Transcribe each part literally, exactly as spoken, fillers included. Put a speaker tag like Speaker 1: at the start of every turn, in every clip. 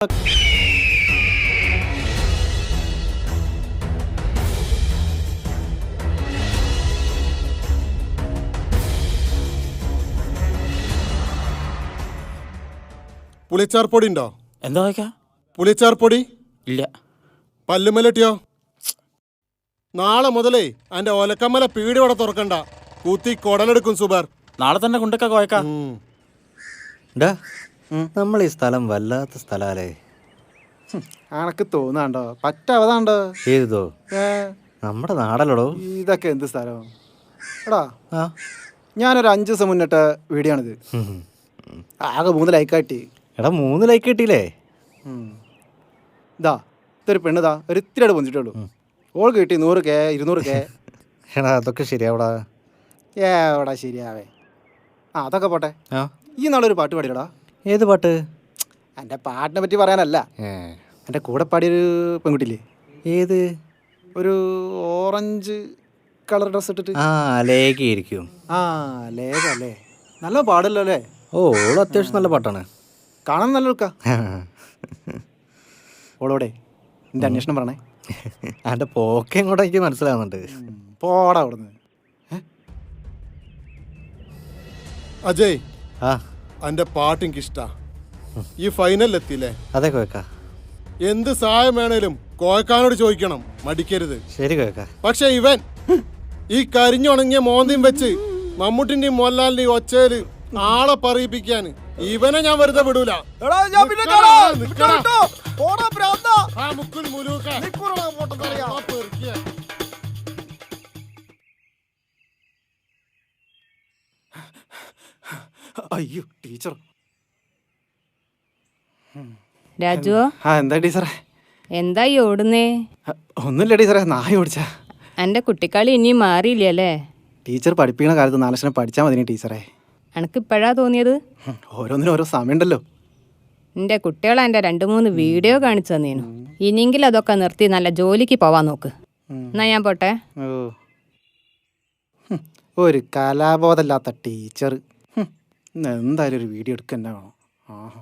Speaker 1: പുളിച്ചാർ പൊടി ഉണ്ടോ?
Speaker 2: എന്താ വയ്ക്കാ?
Speaker 1: പുളിച്ചാർ പൊടി
Speaker 2: ഇല്ല.
Speaker 1: പല്ലുമലട്ടിയോ? നാളെ മുതലേ അതിന്റെ ഒലക്കമ്മല പീടി ഇവിടെ തുറക്കണ്ട, കൂത്തി കൊടലെടുക്കും സുബാർ.
Speaker 2: നാളെ തന്നെ കൊണ്ടൊക്കെ കോയക്കാം.
Speaker 3: നമ്മൾ ഈ സ്ഥലം വല്ലാത്ത സ്ഥലല്ലേ?
Speaker 4: അനക്ക് തോന്നാണ്ടോ? പറ്റാവതാണ്ടോ?
Speaker 3: ഏതോ നമ്മുടെ നാടല്ലടോ
Speaker 4: ഇതൊക്കെ എന്ത് സ്ഥലം എടാ. ഞാനൊരു അഞ്ചു ദിവസം മുന്നിട്ട വീഡിയോ ആണിത്. ആകെ മൂന്ന് ലൈക്ക് ആട്ടി.
Speaker 3: എടാ മൂന്ന് ലൈക്ക് കിട്ടിയില്ലേ?
Speaker 4: ഇതാ ഇതൊരു പെണ്ണിതാ ഒരു ഇത്തിരിയോട് പൊന്നിട്ടുള്ളൂ. ഓൾ കിട്ടി നൂറ് കെ ഇരുന്നൂറ് കെ.
Speaker 3: എടാ അതൊക്കെ ശരിയാവടാ.
Speaker 4: ഏടാ ശരിയാവേ. ആ അതൊക്കെ പോട്ടെ. ഈ നാളൊരു പാട്ട് പാടിയടാ.
Speaker 3: ഏത് പാട്ട്?
Speaker 4: എൻ്റെ പാട്ടിനെ പറ്റി പറയാനല്ല, എൻ്റെ കൂടെ പാടിയൊരു പെൺകുട്ടിയില്ലേ?
Speaker 3: ഏത്?
Speaker 4: ഒരു ഓറഞ്ച് കളർ ഡ്രസ് ഇട്ടിട്ട്.
Speaker 3: ആ ലേഖയായിരിക്കും.
Speaker 4: ആ ലേഖ അല്ലേ? നല്ല പാടല്ലോ അല്ലേ?
Speaker 3: ഓ ഓള് അത്യാവശ്യം നല്ല പാട്ടാണ്,
Speaker 4: കാണാൻ നല്ല ലുക്കാ. ഓളോടെ എൻ്റെ അന്വേഷണം പറഞ്ഞേ.
Speaker 3: എൻ്റെ പോക്കെ എങ്ങോട്ടാ എനിക്ക് മനസ്സിലാവുന്നുണ്ട്.
Speaker 4: പോടാ അവിടുന്ന്.
Speaker 1: അജയ്,
Speaker 3: ആ
Speaker 1: എന്റെ പാട്ട് എനിക്ക് ഇഷ്ടാ. ഈ ഫൈനലിൽ എത്തിയില്ലേ?
Speaker 3: അതെ കോയക്കാ.
Speaker 1: എന്ത് സഹായം വേണേലും കോയക്കാനോട് ചോദിക്കണം, മടിക്കരുത്.
Speaker 3: ശരി കോയക്കാ.
Speaker 1: പക്ഷെ ഇവൻ ഈ കരിഞ്ഞുണങ്ങിയ മോന്തിയും വെച്ച് മമ്മൂട്ടിന്റെയും മോഹൻലാലിന്റെയും ഒച്ചയില് ആളെ പറയിപ്പിക്കാൻ ഇവനെ ഞാൻ വെറുതെ വിടൂല.
Speaker 4: അയ്യോ ടീച്ചർ.
Speaker 5: രാജു,
Speaker 4: ആ എന്താ ടീച്ചറെ?
Speaker 5: എന്തായി ഓടുന്നേ?
Speaker 4: ഒന്നുമില്ല ടീച്ചറെ, നായ ഓടിച്ചാ.
Speaker 5: എന്റെ കുട്ടിക്കാളി ഇനിയും മാറിയില്ലല്ലേ?
Speaker 4: ടീച്ചർ പഠിപ്പിക്കുന്ന കാലത്ത് നാലക്ഷരം പഠിച്ചാൽ മതി ടീച്ചറെ.
Speaker 5: എനക്ക് ഇപ്പോഴാ തോന്നിയത്.
Speaker 4: ഓരോന്നിനും ഓരോ സമയമുണ്ടല്ലോ.
Speaker 5: എന്റെ കുട്ടികളെ എന്റെ രണ്ടു മൂന്ന് വീഡിയോ കാണിച്ചു തന്നീനു. ഇനിയെങ്കിലും അതൊക്കെ നിർത്തി നല്ല ജോലിക്ക് പോവാൻ നോക്ക്. എന്നാ ഞാൻ പോട്ടെ.
Speaker 4: ഓ ഒരു കലാബോധമില്ലാത്ത ടീച്ചർ. എന്തായാലും ഒരു വീഡിയോ എടുക്കുക തന്നെ വേണം. ആഹാ,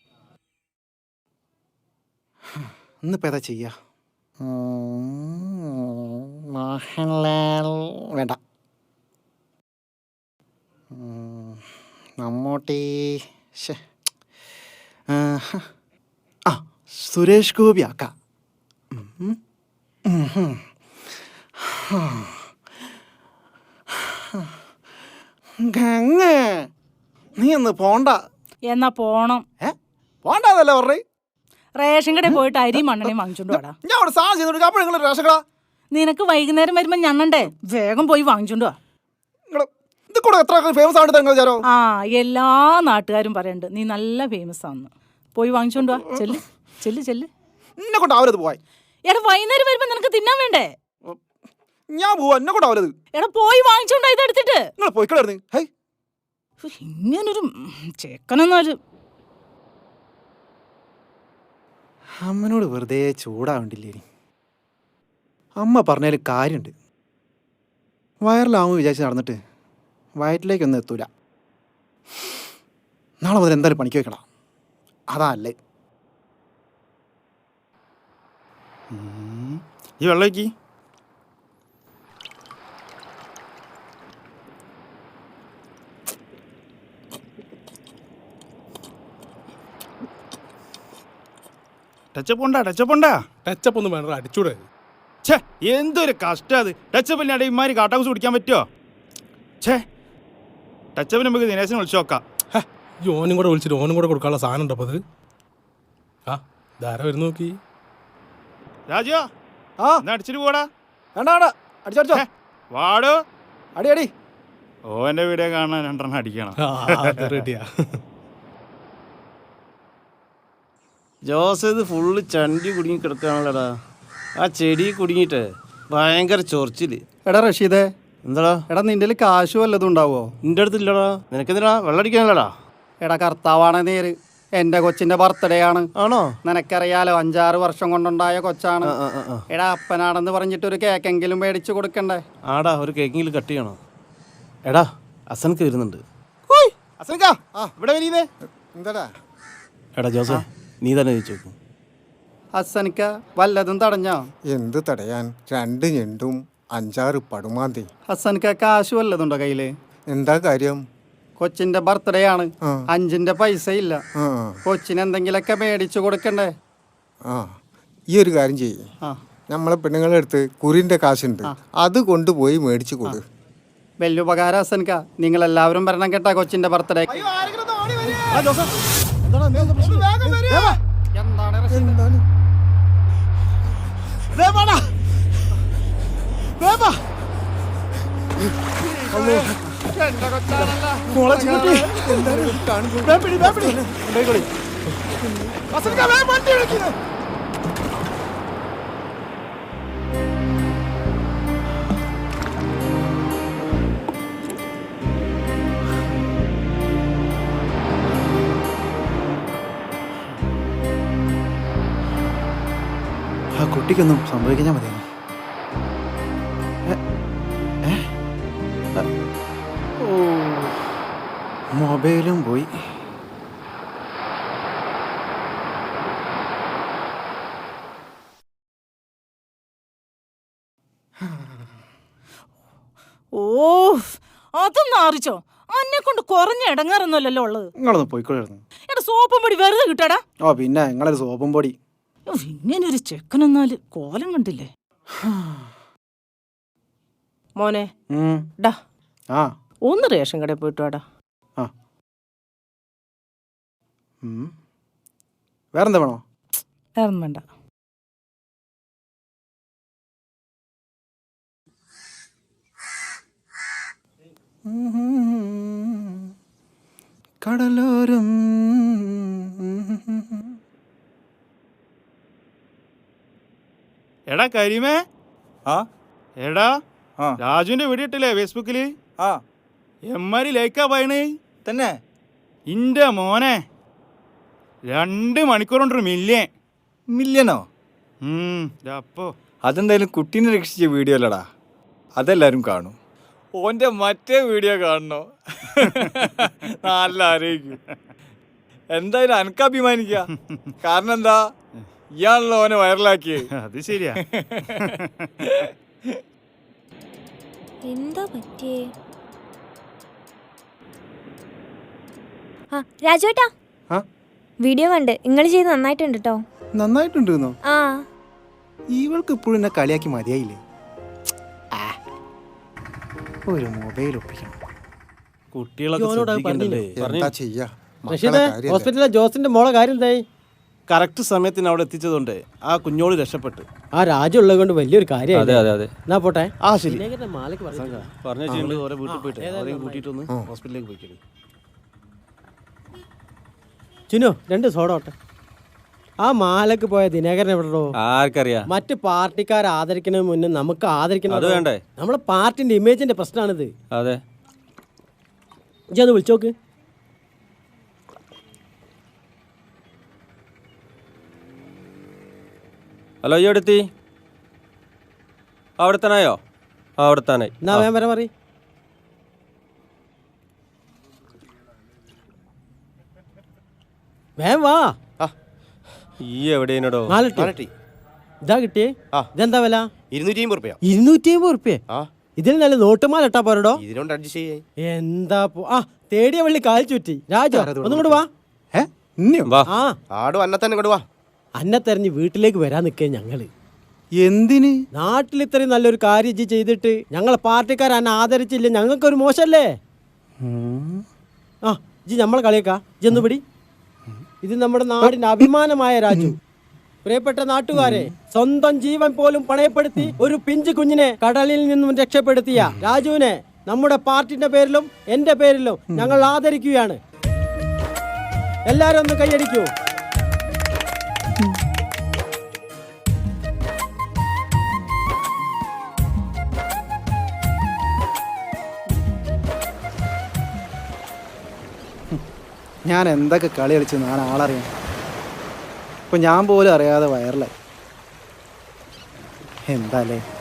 Speaker 4: ഇന്നിപ്പോൾ ഏതാ ചെയ്യാ? മോഹൻലാൽ വേണ്ട, മമ്മൂട്ടി. ആ സുരേഷ് ഗോപി ആക്കാം. ഗംഗ നീ ഒന്ന് പോണ്ട.
Speaker 6: എന്നാ പോണം.
Speaker 4: ഏ പോണ്ടല്ലേ പറഞ്ഞേ?
Speaker 6: റേഷൻ കടയിൽ പോയിട്ട് അരി മണ്ണെണ്ണയും വാങ്ങിച്ചോണ്ട് വാടാ.
Speaker 4: ഞാൻ അവിടെ സാധനം ചെയ്തോണ്ട് അപ്പോൾ നിങ്ങൾ റേഷൻ കട.
Speaker 6: നിനക്ക് വൈകുന്നേരം വരുമ്പോ ഞണ്ണണ്ടേ? വേഗം പോയി വാങ്ങിച്ചോണ്ട് വാ.
Speaker 4: ഇത് കൂടെ എത്ര ഫേമസ് ആണ് നിങ്ങൾ വിചാരോ?
Speaker 6: ആ എല്ലാ നാട്ടുകാരും പറയണ്ട് നീ നല്ല ഫേമസ് ആണെന്ന്. പോയി വാങ്ങിച്ചോണ്ട് വാ. ചെല്ല് ചെല്ല് ചെല്ല്.
Speaker 4: എന്നെ കൊണ്ട് ആവരുത് പോയി.
Speaker 6: എടാ വൈകുന്നേരം വരുമ്പോ നിനക്ക് തിന്നാൻ വേണ്ടേ?
Speaker 4: ഞാൻ പോവാ, എന്നെ കൊണ്ട് ആവരുത്.
Speaker 6: എടാ പോയി വാങ്ങിച്ചോണ്ടാ ഇതെടുത്തിട്ട്.
Speaker 4: നിങ്ങൾ പോയിക്കളായിരുന്നു. ഹൈ
Speaker 6: ഇങ്ങനൊരു ചെക്കനൊന്നൊരു
Speaker 4: അമ്മനോട് വെറുതെ ചൂടാവണ്ടില്ലേ? അമ്മ പറഞ്ഞതിൽ കാര്യമുണ്ട്. വയറിലാവുമെന്ന് വിചാരിച്ച് നടന്നിട്ട് വയറ്റിലേക്കൊന്നും എത്തൂല. നാളെ മുതൽ എന്തായാലും പണിക്ക് വെക്കണം. അതാ അല്ലേ?
Speaker 2: ഈ വെള്ളമൊക്കെ ടച്ചപ്പ് ഉണ്ടാ? ടച്ചപ്പ് ഉണ്ടാ?
Speaker 1: ടച്ചപ്പ് ഒന്നും വേണ്ട, അടിച്ചൂടെ.
Speaker 2: ഛേ എന്തൊരു കഷ്ടം അത്. ടച്ചപ്പ് ഇല്ലാണ്ട് ഇമാരി കാട്ടാകുസ് കുടിക്കാൻ പറ്റുമോ? ഛേ ടച്ചപ്പിന് നമുക്ക് ദിനേശനെ വിളിച്ചു നോക്കാം.
Speaker 1: ഈ ഓനും കൂടെ വിളിച്ചിട്ട് ഓനും കൂടെ കൊടുക്കാനുള്ള സാധനം ഉണ്ടോ? അപ്പോൾ അത് ആ ധാര വരുന്ന നോക്കി.
Speaker 2: രാജോ
Speaker 4: ആ
Speaker 2: എന്നാ അടിച്ചിട്ട് പോടാ.
Speaker 4: വേണ്ട വേണ്ട, അടിച്ചടിച്ചോ.
Speaker 2: വാടോ
Speaker 4: അടി അടി.
Speaker 2: ഓന്റെ വീഡിയോ കാണാൻ രണ്ടെണ്ണം അടിക്കണം.
Speaker 1: റെഡിയാ.
Speaker 7: ജോസ് ഇത് ഫുള്ള് ചണ്ടി കുടുങ്ങി കിടക്കുകയാണല്ലോടാ. ആ ചെടി കുടുങ്ങിയിട്ട് ഭയങ്കര ചൊറിച്ചില്.
Speaker 4: എടാ റഷീദേ,
Speaker 7: എന്താടാ?
Speaker 4: എടാ നിന്റെ കാശ് വല്ലതും ഉണ്ടാവോ?
Speaker 7: നിന്റെ അടുത്തില്ലടാ. നിനക്കെന്തിനാ വെള്ളടിക്കാനല്ലടാ?
Speaker 4: എടാ കർത്താവാണ് നേര്. എൻ്റെ കൊച്ചിൻ്റെ ബർത്ത്ഡേ ആണ്.
Speaker 7: ആണോ?
Speaker 4: നിനക്കറിയാലോ, അഞ്ചാറ് വർഷം കൊണ്ടുണ്ടായ കൊച്ചാണ്. എടാ അപ്പനാണെന്ന് പറഞ്ഞിട്ട് ഒരു കേക്കെങ്കിലും മേടിച്ചു കൊടുക്കണ്ടേ?
Speaker 7: ആടാ ഒരു കേക്കെങ്കിലും കട്ട് ചെയ്യണോ? എടാ അസനക്ക് വരുന്നുണ്ട്.
Speaker 4: അസനക്കാ
Speaker 7: ഇവിടെ വരീന്നേ.
Speaker 4: എന്താടാ?
Speaker 7: എടാ ജോസേ, നീ തന്നെ ചോദിച്ചു.
Speaker 4: ഹസനിക്ക വല്ലതും തടഞ്ഞോ?
Speaker 1: എന്ത് തടയാൻ? രണ്ട് ഞെണ്ടും അഞ്ചാറ് പടുമാന്തി.
Speaker 4: ഹസനിക്ക കാശ് വല്ലതുണ്ടോ കയ്യില്?
Speaker 1: എന്താ കാര്യം?
Speaker 4: കൊച്ചിന്റെ ബർത്ത്ഡേ ആണ്.
Speaker 1: ആ.
Speaker 4: അഞ്ചിന്റെ പൈസ ഇല്ല.
Speaker 1: ആ
Speaker 4: കൊച്ചിന് എന്തെങ്കിലുമൊക്കെ മേടിച്ചു കൊടുക്കണ്ടേ?
Speaker 1: ആ ഈ ഒരു കാര്യം ചെയ്യ്.
Speaker 4: ആ
Speaker 1: നമ്മളെ പെണ്ണുങ്ങളുടെ അടുത്ത് കുറിന്റെ കാശുണ്ട്, അത് കൊണ്ടുപോയി മേടിച്ചു കൊടു.
Speaker 4: വലിയ ഉപകാരം ഹസനിക്ക. നിങ്ങൾ എല്ലാവരും വരണം കേട്ടാ കൊച്ചിന്റെ ബർത്ത്ഡേ. എന്താണ് റഷീദ്? എന്റെ കൊച്ചാണല്ലോ. ആ കുട്ടിക്കൊന്നും സംഭവിക്കാൻ മതിയായിരുന്നു. ഓ മൊബൈലും പോയി.
Speaker 6: ഓ അതൊന്നും അറിച്ചോ? അന്നെ കൊണ്ട് കുറഞ്ഞ ഇടങ്ങാറൊന്നുമല്ലല്ലോ ഉള്ളത്.
Speaker 4: നിങ്ങളൊന്ന് പോയിക്കൊള്ളായിരുന്നു.
Speaker 6: എടാ സോപ്പും പൊടി വെറുതെ കിട്ടാടാ.
Speaker 4: ഓ പിന്നെ നിങ്ങളൊരു സോപ്പും പൊടി.
Speaker 6: ഇങ്ങനെ ഒരു ചെക്കനെന്നാല് കോലം കണ്ടില്ലേ മോനെ.
Speaker 4: ഉം.
Speaker 6: ഡാ
Speaker 4: ആ
Speaker 6: ഒന്ന് റേഷൻ കടയിൽ പോയിട്ട് വാടാ.
Speaker 4: ആ ഉം. വേറെന്താ വേണോ?
Speaker 6: വേറൊന്നും വേണ്ട.
Speaker 4: കടലോരം
Speaker 2: എടാ കരീമേ,
Speaker 8: ആ
Speaker 2: എടാ
Speaker 8: ആ
Speaker 2: രാജുവിന്റെ വീഡിയോ ഇട്ടില്ലേ ഫേസ്ബുക്കില്?
Speaker 8: ആ
Speaker 2: എമ്മാരി ലൈക്കാ പറയണേ.
Speaker 8: തന്നെ
Speaker 2: ഇന്റെ മോനെ രണ്ട് മണിക്കൂർ കൊണ്ടൊരു മില്യൻ.
Speaker 8: മില്യനോ?
Speaker 2: അപ്പോ
Speaker 8: അതെന്തായാലും കുട്ടീനെ രക്ഷിച്ച വീഡിയോ അല്ലടാ, അതെല്ലാരും കാണും. ഓൻ്റെ മറ്റേ വീഡിയോ കാണണോ? നല്ല ആരോഗ്യം. എന്തായാലും അനക്ക് അഭിമാനിക്ക. കാരണം എന്താ, ഇയാണല്ലോ ഓനെ വൈറലാക്കിയത്.
Speaker 2: അത് ശരിയാ.
Speaker 9: എന്താ പറ്റിയേ? ആ രാജുവേട്ടാ,
Speaker 4: ആ
Speaker 9: വീഡിയോ കണ്ട് നിങ്ങൾ ചെയ്ത് നന്നായിട്ടുണ്ട് കേട്ടോ.
Speaker 4: നന്നായിട്ടുണ്ടെന്നോ?
Speaker 9: ആ
Speaker 4: ഇവൾക്ക് ഇപ്പോഴും എന്നെ കളിയാക്കി മതിയായില്ലേ? ഒരു മൊബൈൽ ഒപ്പിക്കണം.
Speaker 7: കുട്ടികളൊക്കെ ശ്രദ്ധിക്കണ്ടല്ലേ?
Speaker 1: എന്താ ചെയ്യാ? മക്കളെ കാര്യല്ലേ.
Speaker 10: ഹോസ്പിറ്റലിലെ ജോസിന്റെ മോളെ കാര്യം എന്തായി?
Speaker 7: കറക്റ്റ് സമയത്തിന് അവിടെ എത്തിച്ചതുകൊണ്ട് ആ കുഞ്ഞോള് രക്ഷപ്പെട്ടു.
Speaker 10: ആ രാജു ഉള്ളത് കൊണ്ട് വലിയൊരു കാര്യം.
Speaker 7: അതെ അതെ അതെ.
Speaker 10: എന്നാ പോട്ടെ.
Speaker 7: ആ ശരി.
Speaker 10: മാലക്ക് പറഞ്ഞു.
Speaker 7: പറഞ്ഞ ചെയ്യണ്ട് ഓരോ വീട്ടിൽ പോയിട്ട് അവരെയും കൂട്ടിയിട്ടൊന്ന് ഹോസ്പിറ്റലിലേക്ക് പോയിക്കോളൂ.
Speaker 10: ചിനു രണ്ട് സോഡ ഓട്ടെ. ആ മാലക്ക് പോയ ദിനകരൻ എവിടെയോ?
Speaker 7: ആർക്കറിയാം.
Speaker 10: മറ്റ് പാർട്ടിക്കാരെ ആദരിക്കുന്നതിന് മുന്നേ നമുക്ക് ആദരിക്കണം.
Speaker 7: അത് വേണ്ടേ?
Speaker 10: നമ്മളെ പാർട്ടിന്റെ ഇമേജിന്റെ പ്രശ്നമാണിത്.
Speaker 7: അതെ.
Speaker 10: ഇജ്ജ് ഒന്ന് വിളിച്ചോക്ക്.
Speaker 7: ഹലോ, ഈ അടുത്തി അവിടെ തന്നെയോ? അവിടെ തന്നെ.
Speaker 10: എന്നാ വേഗം വരെ പറ. വേഗം വാ.
Speaker 7: ഈ എവിടെയാണോ?
Speaker 10: നാലെട്ടി ഇതാ കിട്ടിയേ. ഇതെന്താ വില?
Speaker 7: ഇരുന്നൂറ്റി അമ്പത് റുപ്യ.
Speaker 10: ഇരുന്നൂറ്റി അമ്പത് റുപ്യ. ഇതിൽ നല്ല നോട്ടുമാല ഇട്ടാ പോരടോ?
Speaker 7: ഇതിനോട് അഡ്ജസ്റ്റ് ചെയ്യേ.
Speaker 10: എന്താ ആ തേടിയ വള്ളി കാൽ ചുറ്റി. രാജു ഒന്നും കൂടെ വാ.
Speaker 4: ഏ ഇനിയും
Speaker 7: വാ.
Speaker 10: ആ
Speaker 7: ആടും അന്നെ തന്നെ ഇങ്ങോട്ട് വാ.
Speaker 10: അന്നെ തെരഞ്ഞ് വീട്ടിലേക്ക് വരാൻ നിൽക്കേ ഞങ്ങള്.
Speaker 4: എന്തിന്?
Speaker 10: നാട്ടിൽ ഇത്രയും നല്ലൊരു കാര്യം ഇജ്ജ് ചെയ്തിട്ട് ഞങ്ങളെ പാർട്ടിക്കാർ അന്നെ ആദരിച്ചില്ല, ഞങ്ങൾക്കൊരു മോശമല്ലേ? ആ ഇജ്ജ് നമ്മളെ കളിയേക്കാ. ഇജ്ജൊന്നു പിടി. ഇത് നമ്മുടെ നാടിന്റെ അഭിമാനമായ രാജു. പ്രിയപ്പെട്ട നാട്ടുകാരെ, സ്വന്തം ജീവൻ പോലും പണയപ്പെടുത്തി ഒരു പിഞ്ചു കുഞ്ഞിനെ കടലിൽ നിന്നും രക്ഷപ്പെടുത്തിയ രാജുവിനെ നമ്മുടെ പാർട്ടിന്റെ പേരിലും എന്റെ പേരിലും ഞങ്ങൾ ആദരിക്കുകയാണ്. എല്ലാരും ഒന്ന് കൈയടിക്കൂ.
Speaker 4: ഞാൻ എന്തൊക്കെ കളി കളിച്ചു ഞാൻ ആളറിയാം. ഇപ്പൊ ഞാൻ പോലും അറിയാതെ വൈറലായി. എന്താല്ലേ?